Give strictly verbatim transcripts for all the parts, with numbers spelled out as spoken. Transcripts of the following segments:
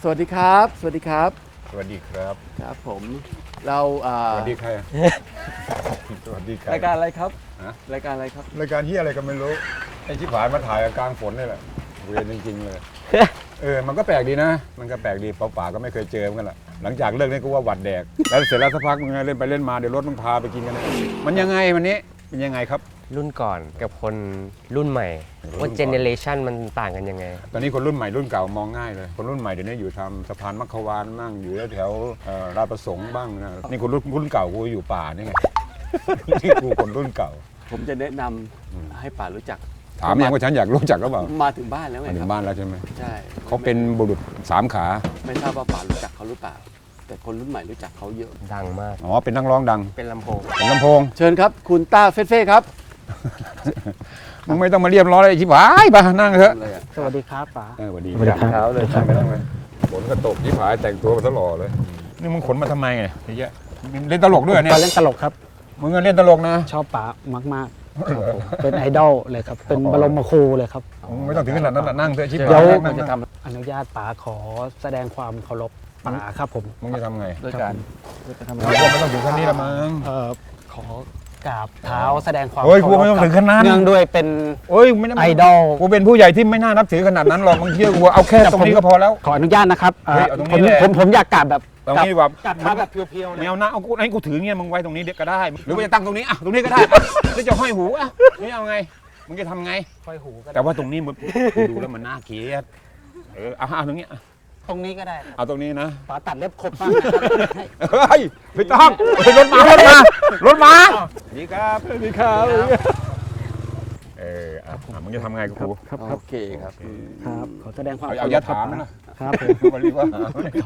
สวัสดีครับสวัสดีครับสวัสดีครับครับผมเราสวัสดีใครสวัสดีใครรายการอะไรครับรายการอะไรครับรายการที่อะไรก็ไม่รู้ไอ้ที่ผ่านมาถ่ายกลางฝนนี่แหละเวรจริงๆเลยเออมันก็แปลกดีนะมันก็แปลกดีเปล่าๆก็ไม่เคยเจอเหมือนกันแหละหลังจากเลิกนี่ก็ว่าหวัดแดกแล้วเสร็จแล้วสักพักมึงเล่นไปเล่นมาเดี๋ยวรถมึงพาไปกินกันมันยังไงวันนี้เป็นยังไงครับรุ่นก่อนกับคนรุ่นใหม่ว่าเจเนเรชันมันต่างกันยังไงตอนนี้คนรุ่นใหม่รุ่นเก่ามองง่ายเลยคนรุ่นใหม่เดี๋ยวนี้อยู่ทำสะพานมัคควานบ้างอยู่แถวราชประสงค์บ้างนะนี่คนรุ่นรุ่นเก่ากูอยู่ป่านี่ไงนี่กูคนรุ่นเก่าผมจะแนะนำให้ป่ารู้จักถามยังว่าฉันอยากรู้จักหรือเปล่ามาถึงบ้านแล้วไงมาถึงบ้านแล้วใช่ไหมใช่เขาเป็นบุรุษสามขาไม่ทราบว่าป่ารู้จักเขาหรือเปล่าแต่คนรุ่นใหม่รู้จักเขาเยอะดังมากอ๋อเป็นนักร้องดังเป็นลำโพงเป็นลำโพงเชิญครับคุณต้าเฟ่เฟ่ครับมึงไม่ต้องมาเรียบร้อยเลยชิบหายป่ะนั่งเถอะสวัสดีครับป๋าเออสวัสดีครับเลยใช่ไหมนั่งเลยฝนก็ตกชิบหายแต่งตัวมาตลอดเลยนี่มึงขนมาทำไมไงเยอะเล่นตลกด้วยเนี่ยเล่นตลกครับมึงเล่นตลกนะชอบป๋ามากๆเป็นไอดอลเลยครับเป็นบรมครูเลยครับไม่ต้องถึงขนาดนั้นนั่งเถอะชิบหายเดี๋ยวมันจะทำอนุญาตป๋าขอแสดงความเคารพป๋าครับผมมึงจะทำไงด้วยการจะทำไงไม่ต้องถึงขั้นนี้ละมั้งเออขอกราบเท้าแสดงความเฮ้ยกูไม่ต้องถึงขนาดนั้นเนื่องด้วยเป็นโอ้ยไม่ไอดอลกูเป็นผู้ใหญ่ที่ไม่น่านับถือขนาดนั้นหรอกมึงเชื่อกูเอาแค่ตรงนี้ก็พอแล้วขออนุญาตนะครับผมผมผมอยากกราบแบบตรงนี้แบบกราบเท้าแบบเพียวๆแนวหน้าเอากูให้กูถือเงี้ยมึงไว้ตรงนี้เด็กก็ได้หรือว่าจะตั้งตรงนี้อ่ะตรงนี้ก็ได้หรือจะห้อยหูอ่ะนี่เอาไงมึงจะทำไงห้อยหูก็แต่ว่าตรงนี้มึงดูแล้วมันน่าเกลียดเออเอาตรงนี้ตรงนี้ก็ได้เอาตรงนี้นะป๋าตัดเล็บครบมากเฮ้ยไม่ต้องรถมารถมารถมาดีครับดีครับเอออ่ะมึงจะทำไงกูครับโอเคครับครับขอแสดงความเอายาถามนะครับผมเรียกว่า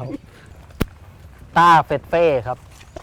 ต้าเฟดเฟ่ครับ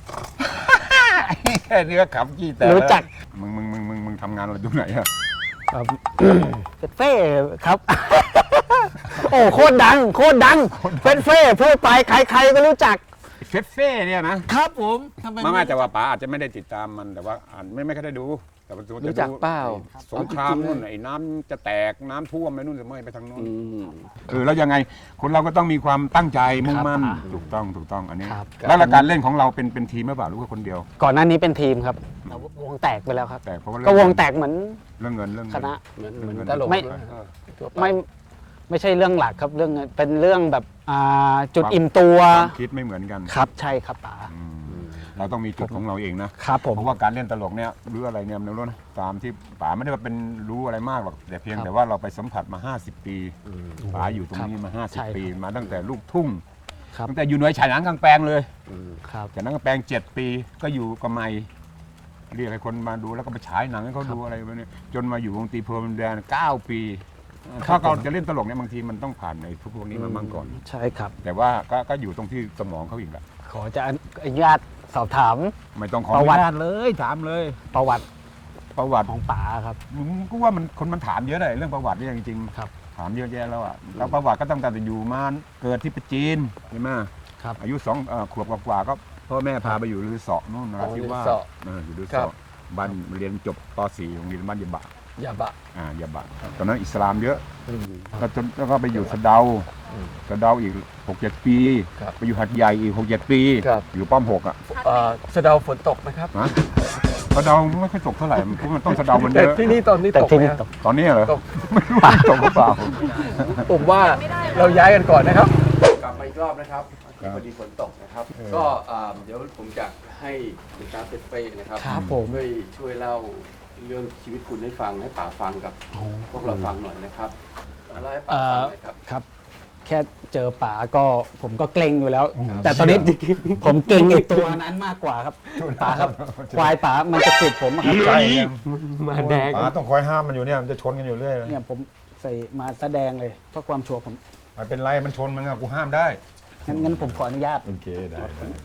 แค่นี้ก็ขำจี้แต่รู้จักมึงมึงมึงมึงมึงทำงานอะไรตรงไหนอะเฟดเฟ่ครับโอ้โคตรดังโคตรดังเฟดเฟ่พูดไปใครๆก็รู้จักเฟดเฟ่เนี่ยนะครับผมทำไมไม่แต่ว่าป๋าอาจจะไม่ได้ติดตามมันแต่ว่าอ่านไม่ไม่ค่อยได้ดูแต่ว่ารู้จักเปล่าสงครามนู่นไอ้น้ำจะแตกน้ำท่วมไปนู่นจะไม่ไปทางนู้นคือแล้วยังไงคนเราก็ต้องมีความตั้งใจมุ่งมั่นถูกต้องถูกต้องอันนี้แล้วการเล่นของเราเป็นเป็นทีมหรือเปล่าหรือว่าคนเดียวก่อนหน้านี้เป็นทีมครับวงแตกไปแล้วครับแตกเพราะว่าก็วงแตกเหมือนเรื่องเงินเรื่องคณะเหมือนตลกไม่ไม่ไม่ใช่เรื่องหลักครับเรื่องเป็นเรื่องแบบจุดอิ่มตัวคิดไม่เหมือนกันครับใช่ครับป๋าเราต้องมีจุดของเราเองนะครับผมเพราะว่าการเล่นตลกเนี่ยหรืออะไรเนี่ยมันรู้นะตามที่ป๋าไม่ได้ว่าเป็นรู้อะไรมากหรอกแต่เพียงแต่ว่าเราไปสัมผัสมาห้าสิบปีป๋าอยู่ตรงนี้มาห้าสิบปีมาตั้งแต่ลูกทุ่งตั้งแต่อยู่หน่วยฉายหนังกลางแปลงเลยฉายหนังกลางแปลงเจ็ดปีก็อยู่กับไมเรียกให้คนมาดูแล้วก็ไปฉายหนังให้เขาดูอะไรแบบนี้จนมาอยู่วงตีเพลินแดนเก้าปีถ้าเราจะเล่นตลกเนี่ยบางทีมันต้องผ่านในพวกนี้มาบ้างก่อนใช่ครับแต่ว่าก็ก็อยู่ตรงที่สมองเขาอีกแหละขอจะอนุญาตสอบถามไม่ต้องขออนุญาตเลยถามเลยประวัติประวัติของป๋าครับกูว่ามันคนมันถามเยอะเลยเรื่องประวัตินี่จริงๆครับถามเยอะแยะแล้วอ่ะแล้วประวัติก็ตั้งแต่อยู่มาเกิดที่ประจีนใช่ไหมครับอายุสองขวบกว่าก็พ่อแม่พาไปอยู่ลือเสาะนู่นนะที่ว่าอยู่ลือเสาะบ้านเรียนจบป .สี่ โรงเรียนบ้านยาบะยาบะอ่ายาบะตอนนั้นอิสลามเยอะก็จนแล้วก็ไปอยู่สะเดาสะเดาอีกหกเจ็ดปีไปอยู่หัดใหญ่อีกหกเจ็ดปีอยู่ป้อมหกอ่ะสะเดาฝนตกไหมครับสะเดาไม่ค่อยตกเท่าไหร่เพราะมันต้องสะเดามันเยอะที่นี่ตอนนี้ตกไหมตอนนี้เหรอไม่รู้ตกหรือเปล่าผมว่าเราย้ายกันก่อนนะครับกลับมาอีกรอบนะครับพอดีฝนตกนะครับก็เดี๋ยวผมจะให้คุณตาเฟเฟ่นะครับช่วยช่วยเล่าเรื่องชีวิตคุณให้ฟังให้ป๋าฟังกับพวกเราฟังหน่อยนะครับอะไรให้ป๋าฟังหน่อยครับครับแค่เจอป๋าก็ผมก็เกรงอยู่แล้วแต่ตอนนี้ผมเกรงอีกตัวนั้นมากกว่าครับป๋าครับควายป๋ามันจะติดผมครับใช่มาแดงป๋าต้องคอยห้ามมันอยู่เนี่ยมันจะชนกันอยู่เรื่อยเนี่ยผมใส่มาแสดงเลยเพื่อความชัวร์ผมไม่เป็นไรมันชนมันอะกูห้ามได้งั้นงั้นผมขออนุญาตโอเคได้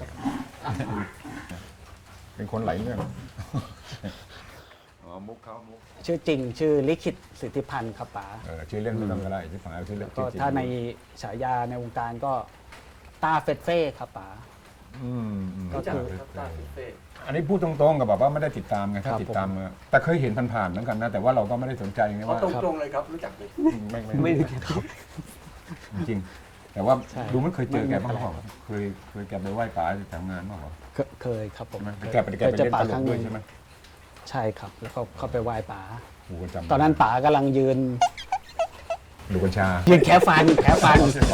เป็นคนไหลเรื่องมุกเขามุกชื่อจริงชื่อลิขิตสิทธิพันธ์ครับป๋าชื่อเล่นไม่ต้องก็ได้ที่ฝังชื่อเล่นก็ถ้าในฉายาในวงการก็ต้าเฟดเฟ่ครับป๋าก็คือต้าเฟดเฟ่อันนี้พูดตรงๆกับแบบว่าไม่ได้ติดตามไงถ้าติดตามแต่เคยเห็นผ่านๆเหมือนกันนะแต่ว่าเราก็ไม่ได้สนใจไงว่าตรงๆเลยครับรู้จักไหมไม่ไม่รู้จักจริงแต่ว่าใช่ดูไม่เคยเจอแกบ้างไม่เปล่าเคยเคยแกไปไหว้ป๋าทำงานบ้างเปล่าเคยเคยครับผมแกไปแกไปคยจอเล่นป๋าตลครั้กงหด้วยนึ่งใช่ไหมใช่ครับ แล้วก็เข้าไปไหว้ป๋าโอ้โหจำตอนนั้นป๋ากำลังยืนดูกัญชายืนแค่ฟันแค่ฟัน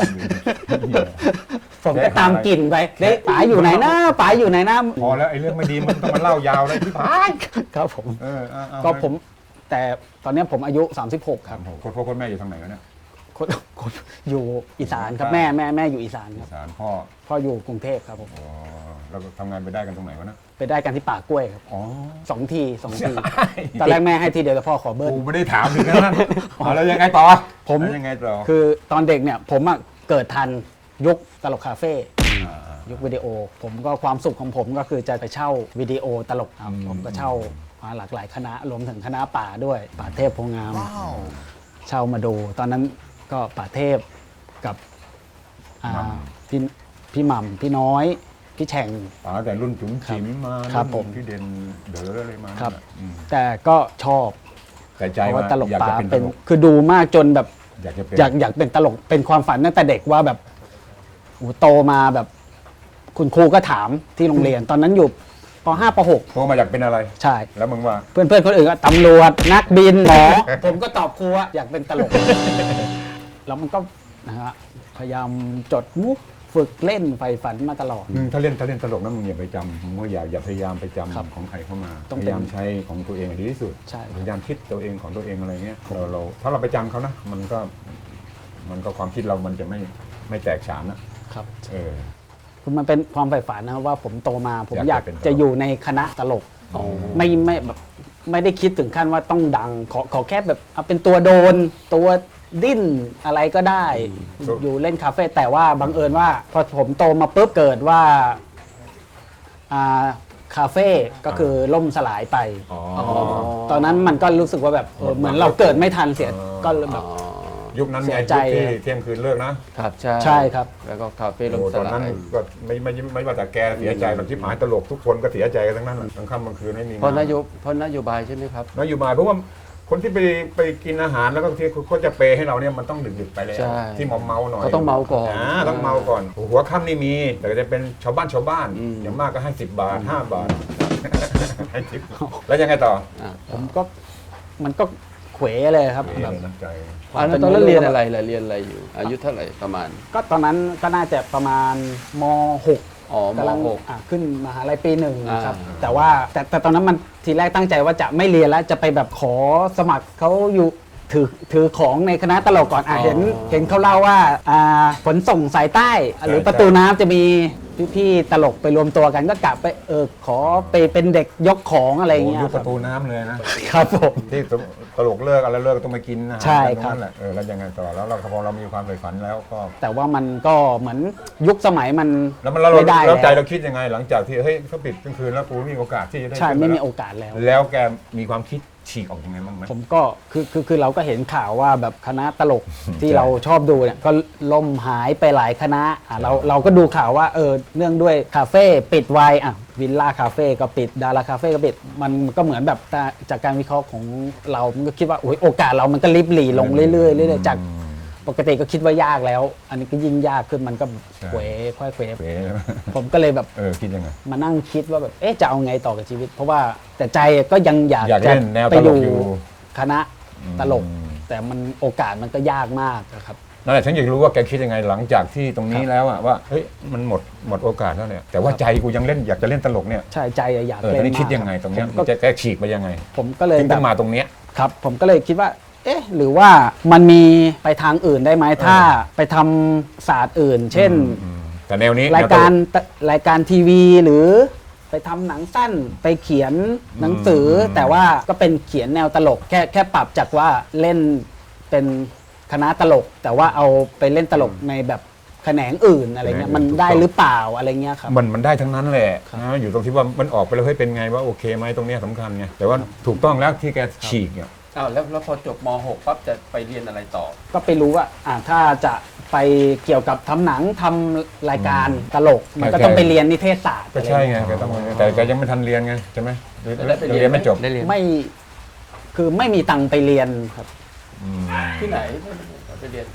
ผมก็ตามกลิ่นไปเด้ป๋าอยู่ไหนนะป๋าอยู่ไหนนะพอแล้วไอ้เรื่องไม่ดีมันต้องมาเล่ายาวเลยพี่พายครับผมเออเอาเอาก็ผมแต่ตอนนี้ผมอายุ สามสิบหก ครับโคตรพ่อโคตรแม่อยู่ทางไหนวะเนี่ยคนคนอยู่อีสานครับแม่แม่แม่อยู่อีสานครับสารพ่อพ่ออยู่กรุงเทพครับผมอ๋อแล้วก็ทำงานไปได้กันตรงไหนวะนะไปได้กันที่ป่ากล้วยครับอ๋อสองทีสองทีตอนแรกแม่ให้ทีเดียวแต่พ่อขอเบิ้ลกูไม่ได้ถามถึงนั้นอ๋อแล้วยังไงต่อผมแล้วยังไงต่อคือตอนเด็กเนี่ยผมอะเกิดทันยุคตลกคาเฟ่ายุควิดีโอ ผมก็ความสุขของผมก็คือจะไปเช่าวิดีโอตลกครับอืมผมก็เช่ามาหลากหลายคณะรวมถึงคณะป่าด้วยป่าเทพโพงามเช่ามาดู ตอนนั้นก็ป่าเทพกับอ่าพี่พี่หม่ำพี่น้อยพี่แฉ่งป๋าแต่รุ่นจุ๋มจิ๋มมาครับรุ่นผมพี่เด่นเด๋ออะไรมาครับอืมแต่ก็ชอบแต่ใจเพราะว่าว่าตลกอยากป่าจะเป็นตเป็นลกคือดูมากจนแบบอยากจะเป็นอยากอยากเป็นตลกเป็นความฝันตั้งแต่เด็กว่าแบบโอ้โหโตมาแบบ คุณครูก็ถามที่โรงเรียน ตอนนั้นอยู่ป .ห้า ป .หกโตมาอยากเป็นอะไรใช่แล้วมึงว่าเพื่อนเพื่อนๆคนอื่นก็ตำรวจนักบินหมอ ผมก็ตอบครูว่าอยากเป็นตลก แล้วมันก็นะฮะพยายามจดมุกฝึกเล่นไฟฝันมาตลอดอืมถ้าเล่นถ้าเล่นตลกนะมึงอย่าไปจำมึงก็อย่าอย่าพยายามไปจำครับของใครเข้ามาต้องพเป็นยายามใช้ของตัวเองให้ดีที่สุดใช่พยายามคิดตัวเองของตัวเองอะไรเงี้ยเราเราถ้าเราไปจำเขานะมันก็มันก็ความคิดเรามันจะไม่ไม่แตกฉานนะครับ เออคือมันเป็นความใฝ่ฝันนะครับว่าผมโตมาผมอยาก กอายเป็นตลกจะอยู่ในคณะตลกไม่ไม่แบบไม่ได้คิดถึงขั้นว่าต้องดัง ขอขอแค่แบบเอาเป็นตัวโดน ตัวดิ้นอะไรก็ได้ อยู่เล่นคาเฟ่แต่ว่าบังเอิญว่า พอผมโตมาปุ๊บเกิดว่าอ่าคาเฟ่ก็คือล่มสลายไปอ๋อตอนนั้นมันก็รู้สึกว่าแบบเออเหมือนเราเกิดไม่ทันเสียก็เลยแบบยุคนั้นเสีไงยใจยุคที่เที่ยงคืนเลิกนะครับใช่ใช่ครับแล้วก็คาเฟ่ลโอ้มสตอนลานั้นยก็ไม่ไม่ไม่ไม่ว่าแต่แกเสียใจหรอกที่หมายตลกทุกคนก็เสียใจกันทั้งนั้นแหละกลางค่ำกลางคืนไม่มีงเพราะนโยบเพราะนโยบายใช่ไหมครับนโยบายเพราะว่าคนที่ไปไปกินอาหารแล้วก็ที่เขาจะเปย์ให้เราเนี่ยมันต้องดึกๆไปแล้วใช่ที่มอมเมาหน่อยเขาต้องเมาก่อนอ่าต้องเมาก่อนหัวค่ำนี่มี แต่ก็จะเป็นชาวบ้านชาวบ้านอืมอย่างมากก็ให้สิบบาทห้าบาทให้ทิปแล้วยังไงต่ออ่ะผมก็มันก็เขวเลยครับเอ๊ะแบบน้ำใจอันนั้นตอนนั้นเรียนอะไรล่ะเรียนอะไรอยู่ อายุเท่าไหร่ประมาณก็ตอนนั้นก็น่าจะประมาณม .หกอ๋อมกำลังหกอ่ะขึ้นมหาลัยปีหนึ่งนะครับอ่าแต่ว่าแต่แต่ตอนนั้นมันทีแรกตั้งใจว่าจะไม่เรียนแล้วจะไปแบบขอสมัครเขาอยู่ถือถือของในคณะตลกก่อนอ่ะเห็นเห็นเขาเล่าว่าอ่าขนส่งสายใต้ หรือประตูน้ำจะมีพี่ๆตลกไปรวมตัวกันก็กลับไปเออขอไปเป็นเด็กยกของอะไรอย่างโอ้เงี้ยยุคคปรับระตูน้ำเลยนะครับผมที่ตลกเลิกอะไรเลิกต้องมากินอาหารใช่กันตรงครับนั้นแหละเออแล้วยังไงต่อแล้วเราพอเรามีความใฝ่ฝันแล้วก็แต่ว่ามันก็เหมือนยุคสมัยมันแล้วมันเราไม่ได้แล้วใจแล้วเราคิดยังไง หลังจากที่เฮ้ยเขาปิดกลางคืนแล้วกูไม่มีโอกาสที่จะได้ใช่ขึ้นไม่มีแล้วโอกาสแล้วแล้วแกมีความคิดฉีกออกยังไงบ้างไหมผมก็คือคือคือเราก็เห็นข่าวว่าแบบคณะตลกที่ใช่เราชอบดูเนี่ยก็ล่มหายไปหลายคณะอ่ะเราเราก็ดูข่าวว่าเออเนื่องด้วยคาเฟ่ปิดไวอ่ะวิลล่าคาเฟ่ก็ปิดดาราคาเฟ่ก็ปิดมันก็เหมือนแบบจากการวิเคราะห์ของเรามันก็คิดว่าโอ้ยโอกาสเรามันก็ริบหรี่ลงเรื่อยๆเรื่อยๆจากปกติก็คิดว่ายากแล้ว อันนี้ก็ยิ่งยากขึ้นมันก็เขวค่อยเขวเป๊ะผมก็เลยแบบเออคิดยังไงมานั่งคิดว่าแบบเอ๊ะจะเอาไงต่อกับชีวิต เพราะว่าแต่ใจก็ยังอยากอยากจะเล่นแนวไปตอลยู่กอยู่คณะตลกอืมแต่มันโอกาสมันก็ยากมากนะครับนั่นแหละฉันอยากรู้ว่าแกคิดยังไงหลังจากที่ตรงนี้แล้วอะว่าเฮ้ยมันหมดหมดโอกาสแล้วเนี่ยแต่ว่าใจกูยังเล่นอยากจะเล่นตลกเนี่ยใช่ใจอยากเออเล่ตอนนนี้มากคิดยังไงตรงเนี้ยผมมัก็นจะแกฉีกไปยังไงผมก็เลยถึงแบต้บองมาตรงเนี้ยครับ ผมก็เลยคิดว่า เอ๊ะ หรือว่ามันมีไปทางอื่นได้ไหมถ้าไปทำศาสตร์อื่น เช่นอืมแต่แนวนี้รายการแนวตลรายการทีวีหรือไปทำหนังสั้นไปเขียนหนังสืออมแต่ว่าก็เป็นเขียนแนวตลกแค่แค่ปรับจากว่าเล่นเป็นคณะตลก แต่ว่าเอาไปเล่นตลกในแบบแขนงอื่นอะไรเงี้ยมันได้หรือเปล่าอะไรเงี้ยครับมันมันได้ทั้งนั้นแหละครับนะอยู่ตรงที่ว่ามันออกไปแล้วเฮ้ยเป็นไงว่าโอเคไหมตรงเนี้ยสำคัญไงแต่ว่าถูกต้องแล้วที่แกฉีกเนี่ยอ้าวแล้วแล้วพอจบม .หก ปั๊บจะไปเรียนอะไรต่อก็ไปรู้ว่าอ่าถ้าจะไปเกี่ยวกับทำหนังทำรายการตลก มันก็โอเคต้องไปเรียนนิเทศศาสตร์ก็ใช่ไงแกต้องแต่แกยังไม่ทันเรียนไงใช่ไหมหรือได้ไปเรียนเรียนไม่จบได้เรียนไม่คือไม่มีตังค์ไปเรียนครับอืมที่ไหนไปเรียน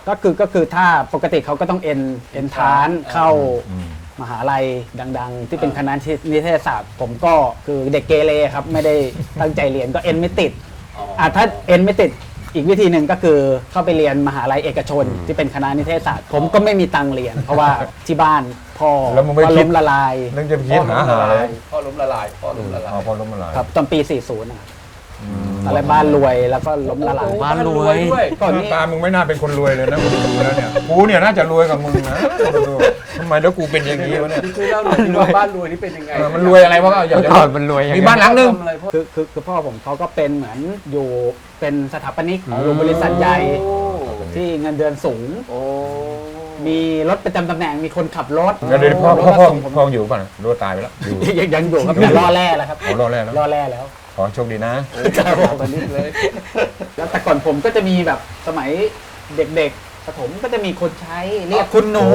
ก็คือก็คือถ้าปกติเขาก็ต้องเอ็นเอ็นทานเข้าอืมมหาลัยดังๆ ที่เป็นคณะนิเทศศาสตร์ ผมก็คือเด็กเกเรครับไม่ได้ตั้งใจเรียนก็เอ็นไม่ติดอ่ะถ้าเอ็นไม่ติดอีกวิธีหนึ่งก็คือเข้าไปเรียนมหาลัยเอกชน ที่เป็นคณะนิเทศศาสตร์ ผมก็ไม่มีตังค์เรียน เพราะว่าที่บ้านพ่อแล้วมึงไม่ก็คิดล้มละลายนึกจะไปคิดหาหาอะไรพ่อล้มละลายพ่อล้มละลายอ๋อพอล้มละลายครับตอนปี สี่สิบ นะครับอืมอะไรบ้านรวยแล้วก็ล้มละลายบ้านรวยด้วยก่อนหน้านี้ตามึงไม่น่าเป็นคนรวยเลยนะกูดูแล้วเนี่ยกูเนี่ยน่าจะรวยกับมึงนะดูทำไมแล้วกูเป็นอย่างนี้วะเนี่ยที่ช่วยเล่าหน่อยที่ว่าบ้านรวยนี่เป็นยังไงเออมันรวยอะไรวะก็อยากเมื่อจะก่อนมันรวยยังมีไงบ้านหลังนึงทำอะไรพ่อคือคือคือพ่อผมเขาก็เป็นเหมือนอยู่เป็นสถาปนิกของโรงบริษัทใหญ่โอ้ที่เงินเดือนสูงโอ้มีรถประจำตำแหน่งมีคนขับรถเดี๋ยวเดี๋ยวพ่อรถพ่อก็พ่อส่งผมพ่ออยู่ป่ะรู้ว่าตายไปแล้วอยู่ยังยังอยู่ครับแต่ล่อแร่แล้วครับโอ้รอดแล้วนะล่อแร่แล้วขอโชคดีนะครับผมตอนนี้เลยแล้วแต่ก่อนผมก็จะมีแบบสมัยเด็กๆประถมก็จะมีคนใช้เรียกคุณหนู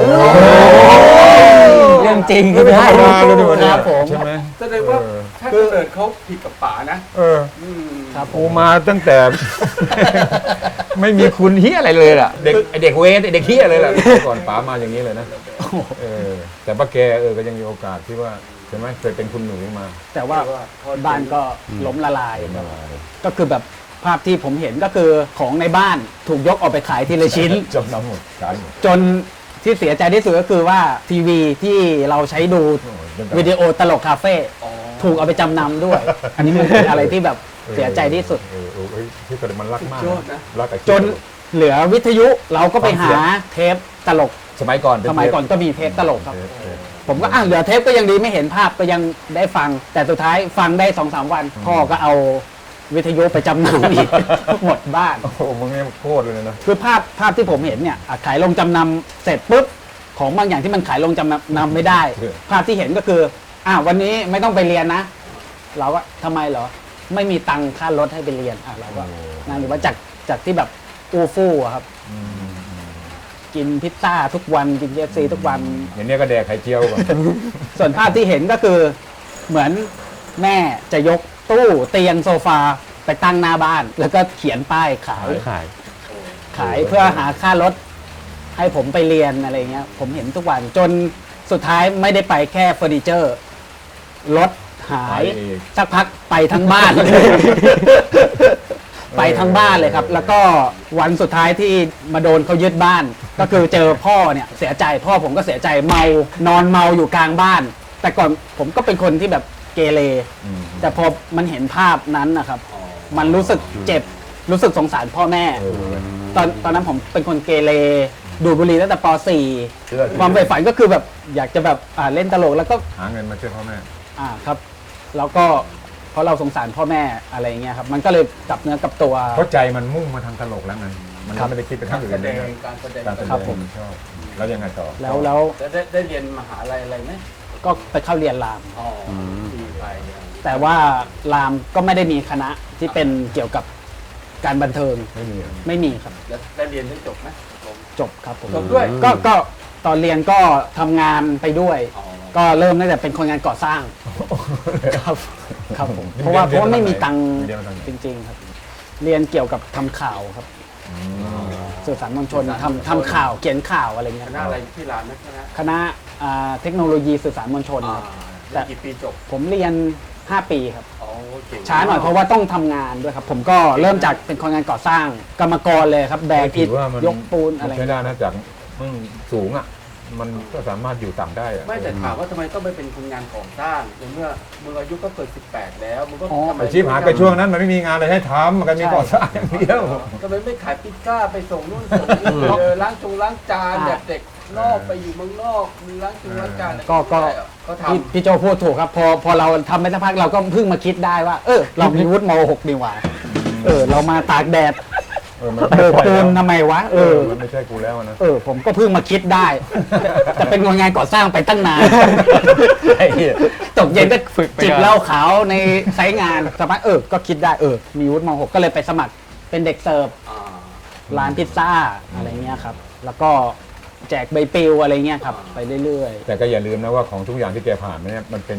เรื่องจริงไม่ได้มาเลยดีกว่าคเนี่ยรับผมใช่ไหมแสดงว่าเออถ้าเกิดเขาผิดกับป๋านะเอออืมครับผกูมมาตั้งแต่ ไม่มีคุณเฮียอะไรเลยล่ะเด็กไอเด็กเวทไอเด็กเฮียเลยล่ะก่อนป๋ามาอย่างนี้เลยนะเออแต่ป้าแกเออก็ยังมีโอกาสที่ว่าใช่ไหมเคยเป็นคุณหนูมาแต่ว่าบ้านก็ล้มละลาย ก็คือแบบภาพที่ผมเห็นก็คือของในบ้านถูกยกออกไปขายทีละชิ้นจำนำหมดขายหมดจนที่เสียใจที่สุดก็คือว่าทีวีที่เราใช้ดูโอ้ยเรื่องราววิดีโอตลกคาเฟ่อ๋อถูกเอาไปจำนำด้วย อันนี้มันเป็นอะไรที่แบบเสียใจที่สุดเออเออเออที่เกิดมันรักมากสุดยอดนะรักไอ้จนเหลือวิทยุเราก็ไปหาเทปตลกสมัยก่อนเป็สมัยก่อนก็มีเทปตลกครับเทปเทปผมก็อ่ะเหลือเทปก็ยังดีไม่เห็นภาพก็ยังได้ฟัง แต่สุดท้ายฟังได้สองสามวัน พ่อก็เอาวิทยุไปจำนำอีก หมดบ้านโอ้โหมึงเนี่ยโคตรเลยนะคือภาพภาพที่ผมเห็นเนี่ยอ่ะขายลงจำนำเสร็จปุ๊บของบางอย่างที่มันขายลงจำนำไม่ได้เออภาพที่เห็นก็คืออ่ะวันนี้ไม่ต้องไปเรียนนะ เราก็ทำไมเหรอ ไม่มีตังค่ารถให้ไปเรียนอ่ะเราก็นั่นหรือว่าจากจากที่แบบอูฟู่อะครับอืมกินพิซซ่าทุกวันกินเคฟซีทุกวันอย่างเนี้ยก็แดกไข่เจียวก่อนส่วนภาพที่เห็นก็คือเหมือนแม่จะยกตู้เตียงโซฟาไปตั้งหน้าบ้าน แล้วก็เขียนป้ายขายขายขายเพื่อหาค่ารถให้ผมไปเรียนอะไรเงี้ย ผมเห็นทุกวันจนสุดท้ายไม่ได้ไปแค่เฟอร์นิเจอร์รถหายหายอีกสักพักไปทั้งบ้านเลย ไปทั้งบ้านเลยครับ แล้วก็วันสุดท้ายที่มาโดนเขายึดบ้าน ก็คือเจอพ่อเนี่ยเสียใจพ่อผมก็เสียใจเมานอนเมาอยู่กลางบ้าน แต่ก่อนผมก็เป็นคนที่แบบเกเรอืมแต่พอมันเห็นภาพนั้นนะครับ มันรู้สึกเจ็บรู้สึกสงสารพ่อแม่เออตอนตอนนั้นผมเป็นคนเกเรดูดบุหรี่ตั้งแต่ป .สี่เชื่อความใฝ่ฝันก็คือแบบอยากจะแบบอ่าเล่นตลกแล้วก็หาเงินมาช่วยพ่อแม่อ่าครับ แล้วก็เพราะเราสงสารพ่อแม่อะไรเงี้ยครับ มันก็เลยกลับเนื้อกลับตัวเพราะใจมันมุ่งมาทางตลกแล้วไงมันครับไม่ได้คิดไปทางอื่แสนดเลยงนะการแสดงการแสดครับงผมชอบแล้วยังไงต่อแล้วแล้วแล้วได้ได้เรียนมหาลัยอะไรไหมก็ไปเข้าเรียนรามอ๋อดีไปแต่ว่ารามก็ไม่ได้มีคณะที่เป็นเกี่ยวกับการบันเทิงไม่มีอ่ะไม่มีครับแล้วได้เรียนได้จบไหมผมจบครับผมจบด้วยก็ก็ตอนเรียนก็ทำงานไปด้วยอ๋อก็เริ่มตั้งแต่เป็นคนงานก่อสร้างครับครับผมเพราะว่าเพราะว่าไม่มีตังค์จริง ๆ ครับ เรียนเกี่ยวกับทำข่าวครับอืมสื่อสารมวลชนทำทำข่าวเขียนข่าวอะไรเงี้คยณะอะไรที่ร้านนะคณะคณะอ่าเทคโนโลยีสื่อสารมวลชนอ่าครับเรียนกี่ปีจบผมเรียน ห้า ปีครับอ๋อเก่งช้าหน่อยเพราะว่าต้องทำงานด้วยครับ ผมก็เริ่มจากเป็นคนงานก่อสร้างกรรมกรเลยครับ แบกอิถืฐอว่ามันยกปูนอะไรใช้ได้นะจากมึงสูงอ่ะ มันก็สามารถอยู่ต่ำได้อะไม่แต่ถามว่าทำไมต้องไปเป็นคนงานก่อสร้างในเมื่อมึงอายุก็เกิดสิบแปดแล้วมึงก็ทำไมอาชีพหาไปช่วงนั้นมันไม่มีงานอะไรให้ทำมันก็มีก่อสร้างอย่างเดียวทำไมไม่ขายพิซซ่าไปส่งนู่นส่งนี่เออล้างจงล้างจานแบบเด็กนอกไปอยู่เมืองนอกมีล้างจงล้างจานอะไรก็ก็ก็ทพี่พี่โจพูดถูกครับ พอพอเราทำไปสักพักเราก็เพิ่งมาคิดได้ว่า เออ เรามีวุฒิม หก ดีกว่า เออ เรามาตากแดดเออมันเบิกปูนทำไมวะ เอเอออมันไม่ใช่กูแล้วนะเออ ผมก็เพิ่งมาคิดได้ แต่เป็นคนงานก่อสร้างไปตั้งนานไอ้เหี้ยตกเย็นก็ฝึกไปจิบก่อนเหล้าขาวในไซต์งานสักพักเออ ก็คิดได้ เออ มีวุฒิม หก ก็เลยไปสมัครเป็นเด็กเสิร์ฟำอ่าร้านพิซซ่าอะไรเงี้ยครับ แล้วก็แจกใบปลิวอะไรเงี้ยครับ ไปเรื่อยแต่ก็อย่าลืมนะว่าของทุกอย่างที่แกผ่านมาเนี่ยมันเป็น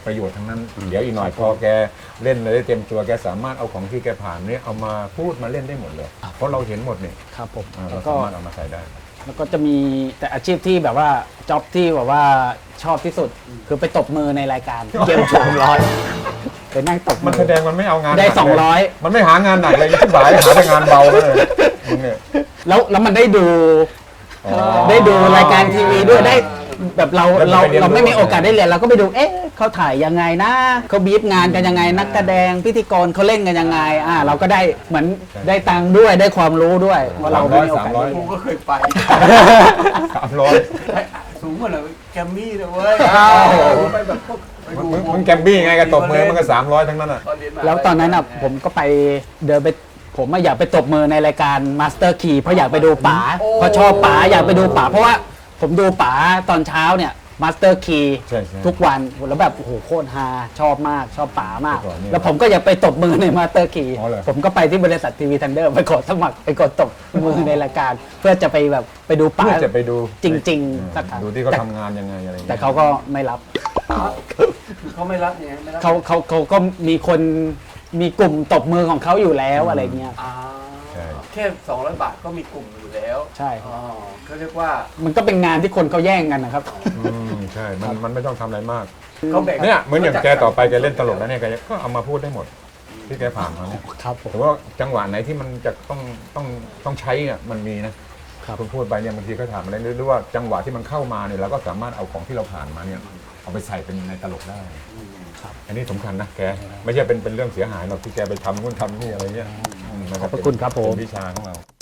ประโยชน์ทั้งนั้น เดี๋ยวอีกหน่อยพอแกเล่นเลยได้เต็มตัวแกสามารถเอาของที่แกผ่านเนี้เอามาพูดมาเล่นได้หมดเลย เพราะเราเห็นหมดนี่ครับผมอ่าแล้เราวก็สามารถเอามาใส่ได้แล้วก็จะมีแต่อาชีพที่แบบว่าจ็อบที่แบบว่าชอบที่สุด คือไปตบมือในรายการเกมโชว์ร้อยไปนั่งตบมันแสดงมันไม่เอางานได้หนักสองร้อยมันไม่หางานหนักเลยที่บ่ายหาแต่งานเบาเลยมึงเนี่ยแล้วแล้วมันได้ดูอ๋อได้ดูรายการทีวีด้วยได้แบบเราแล้วมันเราไปเรียนรู้เราไม่มีโอกาสได้เรียนเราก็ไปดูเอ๊ะเขาถ่ายยังไงนะเขาบีบงานกันยังไงนักแสดงพิธีกรเขาเล่นกันยังไงอ่าเราก็ได้เหมือนได้ตังค์ด้วยได้ความรู้ด้วยว่าเราไม่มีโอกาสได้ผเรียมนก็เคยไปสามร้อยสูงกว่าเราแกมมี่เลยเว้ยไปแบบพวกไปดูมึงมึงแกมบี้ไงกับตบมือมันก็สามร้อยทั้งนั้นอ่ะตอนเรียนมหาลัยแล้วตอนนั้นอ่ะผมก็ไปเดินไปผมอะอยากไปตบมือในรายการ Master Key เพราะอยากไปดูป๋าเพราะชอบป๋าอยากไปดูป๋าเพราะว่าผมดูป๋าตอนเช้าเนี่ย Master Key ใช่ใช่ทุกวันแล้วแบบโอ้โหโคตรฮาชอบมากชอบป๋ามากก่อนเนี่ยแล้วผมก็อยากไปตบมือใน Master Key อ๋อเหรอผมก็ไปที่บริษัททีวีทันเดอร์ไปกดสมัครไปกดตบมือในรายการ เพื่อจะไปแบบไปดูป๋าเพื่อจะไปดูจริงๆสักครั้งดูที่เขาแต่ทำงานยังไงอะไรอย่งงี้ยแต่เขาก็ไม่รับคือเขาไม่รับเนี่ยไม่รับเขาเขาเขาก็มีคนมีกลุ่มตบมือของเขาอยู่แล้วอะไรเงี้ยอ่าใช่แค่สองร้อยบาทก็มีกลุ่มอยู่แล้วใช่อ๋อเขาเรียกว่ามันก็เป็นงานที่คนเขาแย่งกันนะครับอืมใช่ มันมันไม่ต้องทำอะไรมากเขาแบ่งเนี่ยเหมือนอย่างแกต่อไปแกเล่นตลกแล้วเนี่ยแกก็เอามาพูดได้หมด ที่แกผ่านมาเนี่ยครับผมแต่ว่าจังหวะไหนที่มันจะต้องต้องต้องใช้อ่ะมันมีนะครับ คุณพูดไปเนี่ยบางทีก็ถามอะไรหรือว่าจังหวะที่มันเข้ามาเนี่ยเราก็สามารถเอาของที่เราผ่านมาเนี่ยเอาไปใส่เป็นในตลกได้ครับอันนี้สำคัญนะแกไม่ใช่เป็นเป็นเรื่องเสียหายหรอกที่แกไปทำนู่นทำนี่อะไรเงี้ยมนะขอบพระคุณครับผมเป็นวิชาของเรา